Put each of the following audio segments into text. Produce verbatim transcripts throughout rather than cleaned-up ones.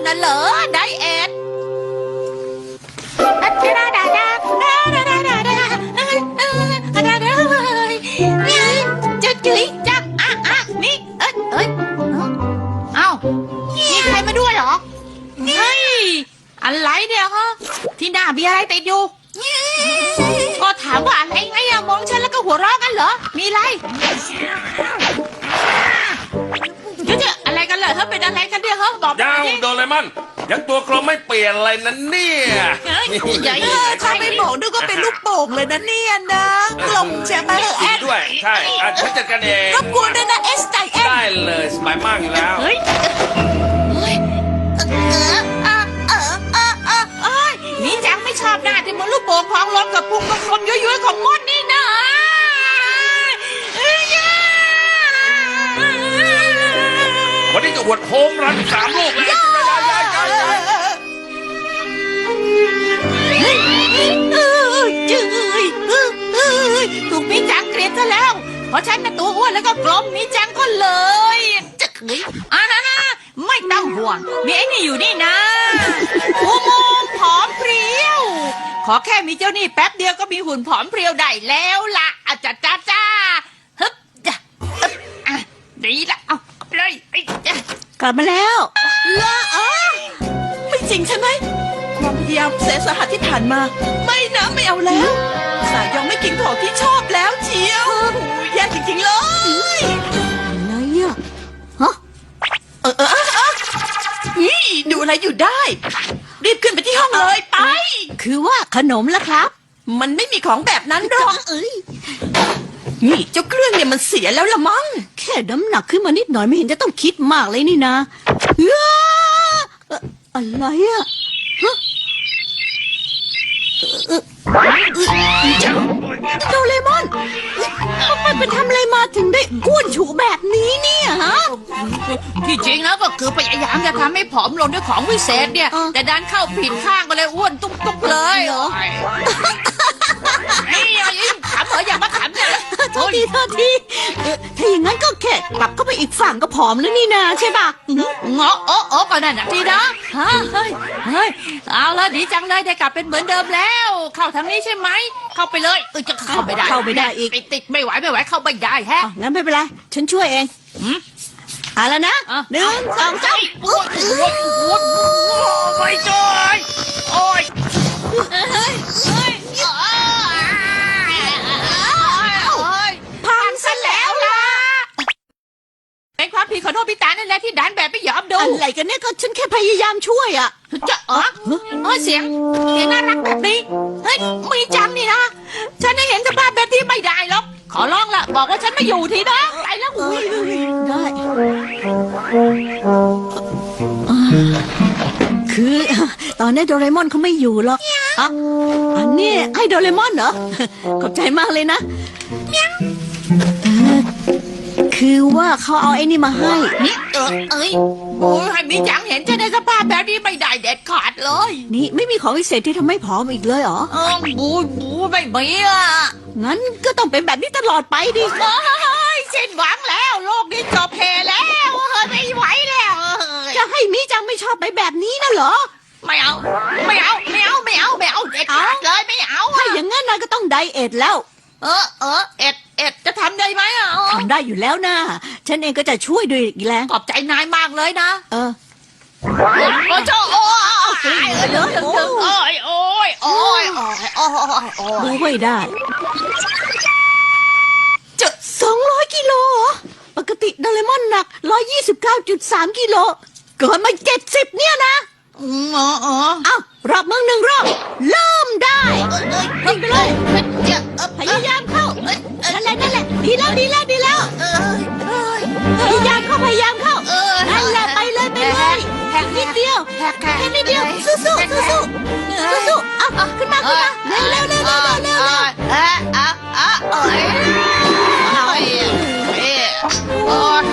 น่ะเหรอไดเอทจะจุ๋ยจักอ่ะอ่ะนี่เอ้ยเอ้ยเอ้ามีใครมาด้วยเหรอเฮ้ยอะไรเนี่ยฮะที่หน้ามีอะไรติดอยู่ก็ถามว่าอะไรไงอะมองฉันแล้วก็หัวเราะกันเหรอมีอะไรเดี๋ยวอะไรกันเหรอเฮ้ยเป็นอะไรกันเนี่ยเฮ้ยบอกยังโดเรมอนยังตัวกลมไม่เปลี่ยนอะไรนั่นเนี่ยใหญ่ถ้าไม่บอกนึกว่าเป็นลูกโป่งเลยนะเนี่ยนะกลมใช่ไหมเออแอดด้วยใช่อ่ะฉันจัดการเองรบกวนด้วยนะเอสไอเอ็นได้เลยสบายมากอยู่แล้วเฮ้ยนี่จังไม่ชอบหน้าที่มันลูกโป่งพองลมกับพุงกลมๆย้อยๆของมดนี่นะวันนี้จะหวดโฮมรันสามลูกเลยจืยถูกมีจังเกลียดซะแล้วเพราะฉันน่ะตัวอ้วนแล้วก็กลมมีจังก็เลยจะเฮ้ยอ่านะไม่ต้องห่วงมีไอ้นี่อยู่นี่นะอุโมงค์ผอมเพรียวขอแค่มีเจ้านี่แป๊บเดียวก็มีหุ่นผอมเพรียวได้แล้วล่ะอาจ้าจ้าจ้าฮึบจ้ะอ่ะดีละเอาเลยไอ้จ้ะกลับมาแล้วละอ๋อไม่จริงใช่ไหมความพยายามแสนสาหัสที่ผ่านมาไม่นะไม่เอาแล้วสายยองไม่กินของที่ชอบแล้วเชียวแย่จริงๆเลยอะไรอ่ะฮะเออเออเออนี่ดูอะไรอยู่ได้รีบขึ้นไปที่ห้องเลยไปคือว่าขนมล่ะครับมันไม่มีของแบบนั้นหรอกเอ้ยนี่เจ้าเครื่องเนี่ยมันเสียแล้วละมั้งแค่น้ำหนักขึ้นมานิดหน่อยไม่เห็นจะต้องคิดมากเลยนี่นะเอ้ออะไรอะฮะโดเรมอนมันไปทำอะไรมาถึงได้อ้วนฉูแบบนี้เนี่ยฮะที่จริงแล้วก็คือพยายามจะทำให้ผอมลงด้วยของวิเศษเนี่ยแต่ดันเข้าผิดข้างก็เลยอ้วนตุ๊บๆเลยนี่ยิ่งขำเหรออย่ามาขำเนี่ยโทษทีโทษทีถ้าอย่างนั้นก็แค่กลับเข้าไปอีกฝั่งก็ผอมแล้วนี่นาใช่ป่ะเงาะโอ้โอ้ก็นั่นน่ะทีนะเฮ้ยเฮ้ยเอาละดีจังเลยได้กลับเป็นเหมือนเดิมแล้วเข้าทางนี้ใช่ไหมเข้าไปเลยเออจะเข้าไม่ได้เข้าไม่ได้อีกติดไม่ไหวไม่ไหวเข้าไม่ได้แฮะงั้นไม่เป็นไรฉันช่วยเองเอาแล้วนะหนึ่งสองสามโอ้ยโอ้ยโอ้ยไม่ช่วยโอ้ยเฮ้ยเฮ้ยพังซะแล้วล่ะเป็นความผิดของโนบิตะนั่นแหละที่ดันแบบไม่ยอมดูอะไรกันเนี่ยก็ฉันแค่พยายามช่วยอ่ะจะเออเออเสียงเสียงน่ารักแบบนี้เฮ้ยมีจังนี่นะฉันได้เห็นสภาพแบบที่ไม่ได้หรอกขอร้องละบอกว่าฉันไม่อยู่ทีนะไปแล้วอุ้ยได้คือตอนนี้โดเรมอนเขาไม่อยู่หรอกอ่ะอันนี้ให้โดเรมอนเหรอขอบใจมากเลยนะคือว่าเขาเอาไอ้นี่มาให้นี่เออเอ้ยโอ้ยให้มีจังเห็นจะได้สภาพแบบนี้ไม่ได้เด็ดขาดเลยนี่ไม่มีของพิเศษที่ทำให้ผอมอีกเลยเหรอเออบูบูไม่มีอ่ะงั้นก็ต้องเป็นแบบนี้ตลอดไปดิเฮ้ยสิ้นหวังแล้วโลกนี้จบเพแล้วเฮ้ยไม่ไหวแล้วจะให้มีจังไม่ชอบไปแบบนี้นะเหรอไม่เอาไม่เอาไม่เอาไม่เอาไม่เอาเด็ดขาดเลยไม่เอาถ้าอย่างงั้นนายก็ต้องไดเอทแล้วเออเออเอ็ดเอ็ดจะทำได้ไหมอ่ะทำได้อยู่แล้วนะฉันเองก็จะช่วยด้วยอีกแรงขอบใจนายมากเลยนะเออโอ้โจโอ้ยเยอะถึงถึงโอ้ยโอ้ยโอ้ยโอ้ยโอ้ยโอ้ยดูไม่ได้จะสองร้อยกิโลปกติโดเรมอนหนักร้อยยี่สิบเก้าจุดสามกิโลเกินมาเจ็ดสิบเนี่ยนะอ๋ออ๋อเอ้ารอบมึงหนึ่งรอบเริ่มได้วิ่งไปเลยพยายามเข้านั่นแหละนั่นแหละดีแล้วดีแล้วดีแล้วพยายามเข้าพยายามเข้านั่นแหละไปเลยไปเลยแค่นิดเดียวแค่นิดเดียวสู้สู้สู้สู้สู้สู้เอาขึ้นมาขึ้นมาเร็วเร็วเร็วเร็วเร็วเร็วเออเออเออเออโอ้ย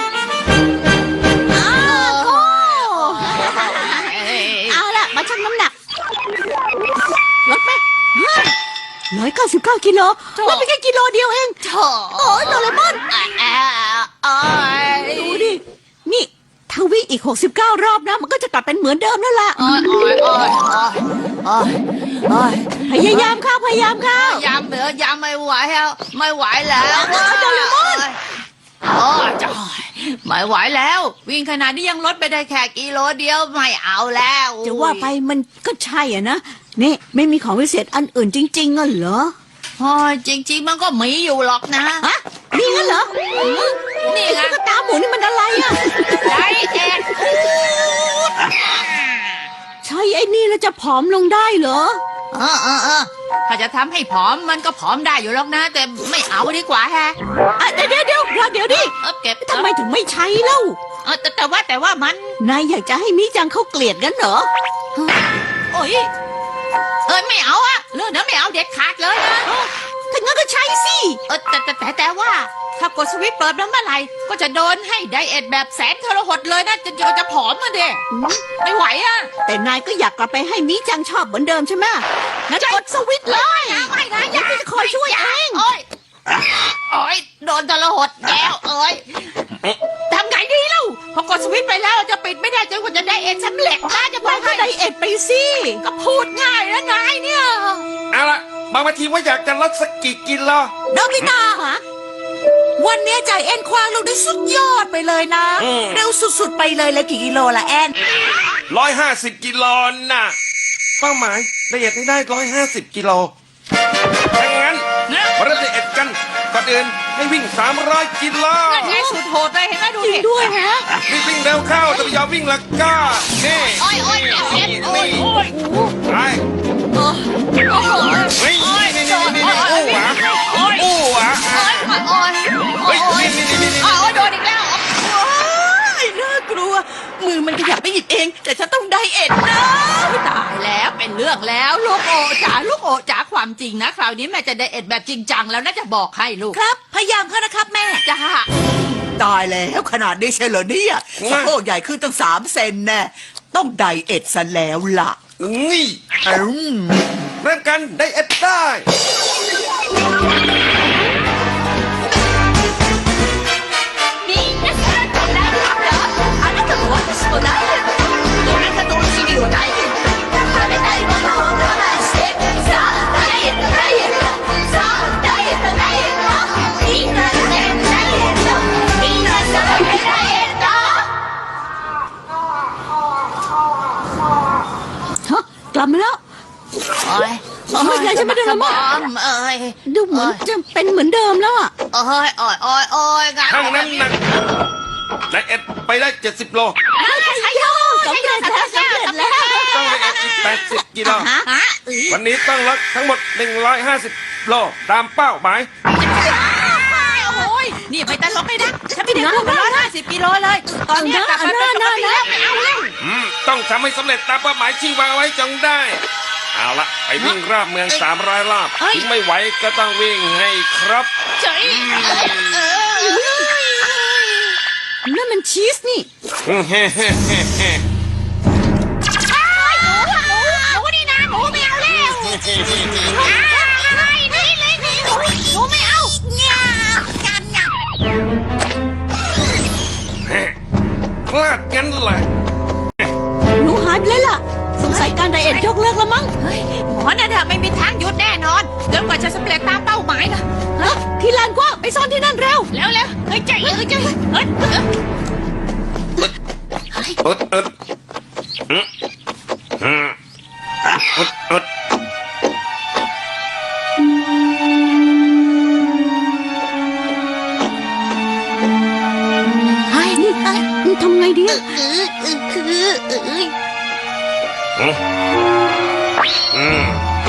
มาชั่งน้ำหนักลดไหมร้อยเก้าสิบเก้ากิโลลดไปแค่กิโลเดียวเองโอ้ยโดเรมอนดูดินี่ทวีอีกหกสิบเก้ารอบนะมันก็จะกลับเป็นเหมือนเดิมนั่นแหละโอ้ยโอ้ยโอ้ยโอ้ยโอ้ยพยายามเข้าพยายามเข้ายามเหลือยามไม่ไหวแล้วไม่ไหวแล้วโดเรมอนโอ้ยจ้อยไม่ไหวแล้ว วิ่งขนาดนี้ยังลดไปได้แค่กิโลเดียวไม่เอาแล้วจะว่าไปมันก็ใช่อ่ะนะนี่ไม่มีของวิเศษอันอื่นจริงๆอ่ะเหรอโอ้ยจริง ๆ มันก็มีอยู่หรอกนะฮะมีงั้นเหรอนี่ไงตุ๊กตาหมูนี่มันอะไรอ่ะไดเอ็ดใช่ไอ้นี่แล้วจะผอมลงได้เหรอเออเออเออถ้าจะทำให้ผอมมันก็ผอมได้อยู่หรอกนะ แต่ไม่เอาดีกว่าแฮะอ่ะเดี๋ยวเดี๋ยวเดี๋ยวรอเดี๋ยวดิเออเก็บทำไมถึงไม่ใช้เล่าเออแต่แต่ว่าแต่ว่ามันนายอยากจะให้มิจังเขาเกลียดกันเหรอโอ้ยเอ้ยไม่เอาอะเรื่องนั้นไม่เอาเด็ดขาดเลยนะถ้างั้นก็ใช้สิเออแต่แต่แต่แต่ว่า ถ้ากดสวิตช์เปิดแล้วเมื่อไหร่ก็จะโดนให้ไดเอทแบบแสนทรหดเลยนะจะจะจะผอมมาเด็ไม่ไหวอะแต่นายก็อยากกลับไปให้มิจังชอบเหมือนเดิมใช่ไหมงั้นกดสวิตช์เลยไม่นะไม่นะอยากจะคอยช่วยเองโอ้ยโอ้ยโดนทรหดแล้วเอ้ยทำไงดีเล่าพอกดสวิตช์ไปแล้วจะปิดไม่ได้จนกว่าจะไดเอทสำเร็จนะจะบอนาก ยก็ให้ไดเอทไปสิก็พูดง่ายนะนายเนี่ยเอาละบางทีว่าอยากจะลดสักกี่กิโลโนบิตะฮะวันนี้ใจแอนควางลงได้สุดยอดไปเลยนะ เร็วสุดๆไปเลยแล้วกี่กิโลละแอนร้อยห้าสิบกิโลน่ะเป้าหมายละเอียดให้ได้ร้อยห้าสิบกิโลดังนั้นมาเริ่มละเอียดกันก่อนอื่นให้วิ่งสามร้อยกิโลนั่นไงสุดโหดเลยเห็นไหมดูจริดิงด้วยฮะรีบวิ่งเร็วเข้าจะไม่ยอมวิ่งละก็นี่โอ้ยโอ้ยเอ็นโอ้ยโอ้ยไปโอ้ยโอ้ยเฮ้ยนี่นี่นี่นี่นี่อู้หวะอู้หวะโอ้ยโอ้ยเฮ้ยนี่นี่นี่นี่โอ้ยโดนอีกแล้วน่ากลัว มือมันขยับไปหยิบเอง แต่ฉันต้องไดเอทนะตายแล้วเป็นเรื่องแล้วลูกโอจ๋าลูกโอจ๋าความจริงนะคราวนี้แม่จะไดเอทแบบจริงจังแล้วน่าจะบอกให้ลูกครับ พยายามเข้านะครับแม่จ้าตายแล้วขนาดนี้ใช่เหรอเนี่ยสะโพกใหญ่ขึ้นตั้งสามเซนแน่ต้องไดเอทซะแล้วล่ะนี่อืมเริ่มกันได้เอ็ดได้นี่นะจำได้เหรอあなたも私もダイエットどなたとお尻をダイエット食べたいものを我慢してさあダイエットダイエットさあダイエットダイエットみんなでダイエットみんなそろってダイエットฮะ กลับมาแล้วโอ้ยไม่เป็นไรใช่ไหมโดเรมอนเอ้ยดูเหมือนจะเป็นเหมือนเดิมแล้วอ่ะโอ้ยโอ้ยโอ้ยโอ้ยทั้งน้ำหนักได้เอ็ดไปได้เจ็ดสิบโลใช่โยสำเร็จแล้วสำเร็จแล้วต้องได้เอ็ดอีกแปดสิบกิโลฮะเอ้ยวันนี้ต้องลดทั้งหมดหนึ่งร้อยห้าสิบโลตามเป้าหมายโอ้ยนี่ไปตลกเลยนะฉันไม่ได้พูดมาร้อยห้าสิบกิโลเลย ตอนนี้กลับมาเป็นปกติแล้วไม่เอาแล้วอืมต้องทำให้สำเร็จตามเป้าหมายที่วางไว้จงได้ เอาละไปวิ่งรอบเมืองสามร้อยรอบถึงไม่ไหวก็ต้องวิ่งให้ครบเจ๋ยเออนั่นมันชีสนี่เฮ้เฮ้เฮ้เฮ้เฮ้หนูหนูหนูนี่นะหนูไม่เอาแล้วนี่เลยนี่หนูหนูไม่เอาเนี่ยกันเนี่ยพลาดงั้นแหละหนูหายไปเลยล่ะ สงสัยการไดเอทยกเลิกแล้วมั้งเฮ้ยหมอนั่นอะไม่มีทางหยุดแน่นอนจนกว่าจะสำเร็จตามเป้าหมายนะฮะ ที่ลานกว้างไปซ่อนที่นั่นเร็วแล้วแล้วเฮ้ยใจเฮ้ยใจเฮ้ยอึดอึดอืมอืมอึดอึดไอ้นี่ไอ้นี่ทำไงดีอะคือคือเอ้ยอืมอืม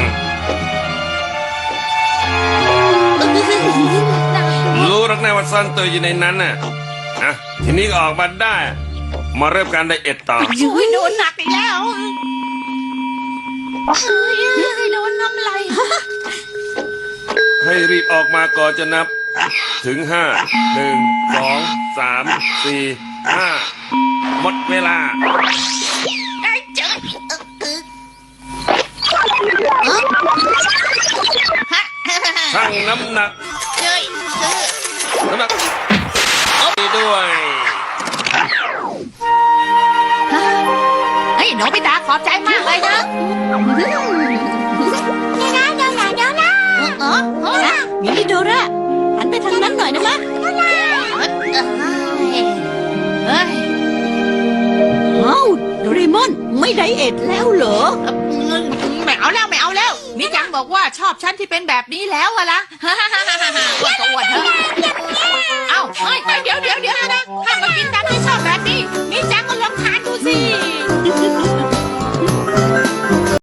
รู้หรักแน่ว่าซ่อนตัวอยู่ในนั้นน่ะอ่ะทีนี้ก็ออกมาได้ มาเริ่มการไดเอทต่อยุ้ยโดนหนักอีกแล้วเฮ้ยโดนน้ำไหลให้รีบออกมาก่อนจะนับ ถึงห้าหนึ่งสองสามสี่ห้าหมดเวลาไอ้เจ๋ยฮะชั่งน้ำหนักเจ๋ยน้ำหนักดีด้วยอบใจมากเลยนะนี่นะเดี๋ยวนะเดี๋ยวนะเออเออมินิโดราหันไปทางนั้นหน่อยนะมะเฮ้ยเอ้าโดเรมอนไม่ไดเอทแล้วเหรอไม่เอาแล้วไม่เอาแล้วมิจังบอกว่าชอบฉันที่เป็นแบบนี้แล้วอะล่ะ